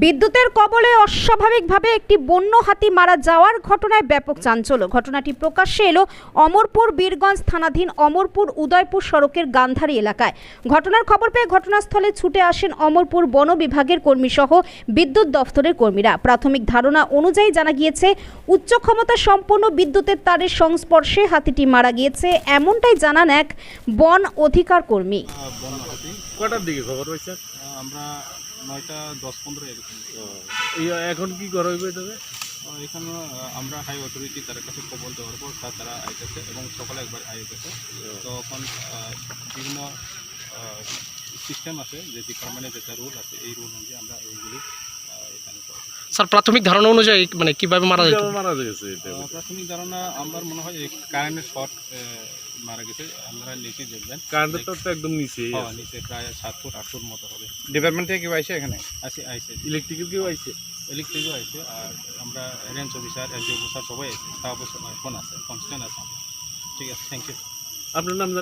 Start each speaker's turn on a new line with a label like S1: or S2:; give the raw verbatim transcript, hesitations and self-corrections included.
S1: বিদ্যুতের কবলে অস্বাভাবিকভাবে একটি বন্য হাতি মারা যাওয়ার ঘটনায় ব্যাপক চাঞ্চল্য। ঘটনাটি প্রকাশ্যে এলো অমরপুর বীরগঞ্জ থানাধীন অমরপুর উদয়পুর সড়কের গান্ধারী এলাকায়। ঘটনার খবর পেয়ে ঘটনাস্থলে ছুটে আসেন অমরপুর বন বিভাগের কর্মী সহ বিদ্যুৎ দফতরের কর্মীরা। প্রাথমিক ধারণা অনুযায়ী জানা গিয়েছে, উচ্চ ক্ষমতা সম্পন্ন বিদ্যুতের তারের সংস্পর্শে হাতিটি মারা গিয়েছে, এমনটাই জানান এক বন অধিকার কর্মী।
S2: কটার দিকে খবর পাইছেন?
S3: আমরা নয়টা দশ পনেরো এরকম।
S2: এই এখন কি করা হইবে তবে?
S3: এখানে আমরা হাই অথরিটি তার কাছে খবর দেওয়ার পর তা তারা আইতেছে এবং সকালে একবার আইতেছে। তখন বিভিন্ন সিস্টেম আছে, যে ডিপার্টমেন্টের যেটা রুল আছে, এই রুল অনুযায়ী আমরা এইগুলি এখানে করি।
S4: স্যার, প্রাথমিক ধারণা অনুযায়ী মানে কিভাবে মারা যায়?
S2: মারা গেছে এটা?
S3: প্রাথমিক ধারণা আমার মনে হয় কারেন্টের শর্ট মারা গেছে। আপনারা নিচে দেখবেন,
S2: কারেন্টের তো একদম নিচে
S3: নিচে প্রায় সাত ফুট আট ফুট মতো হবে।
S5: ডিপার্টমেন্ট থেকে কেউ আসে এখানে?
S3: আসে আইসে
S2: ইলেকট্রিক্যাল কেউ আইছে?
S3: ইলেকট্রিকও আছে, আর আমরা রেঞ্জ অফিসার এলজি অফিসার সবাই আছে, স্টাফ এখন আছে, কনস্ট্যান্ট আছে। ঠিক আছে, থ্যাংক ইউ।
S2: আপনার নাম?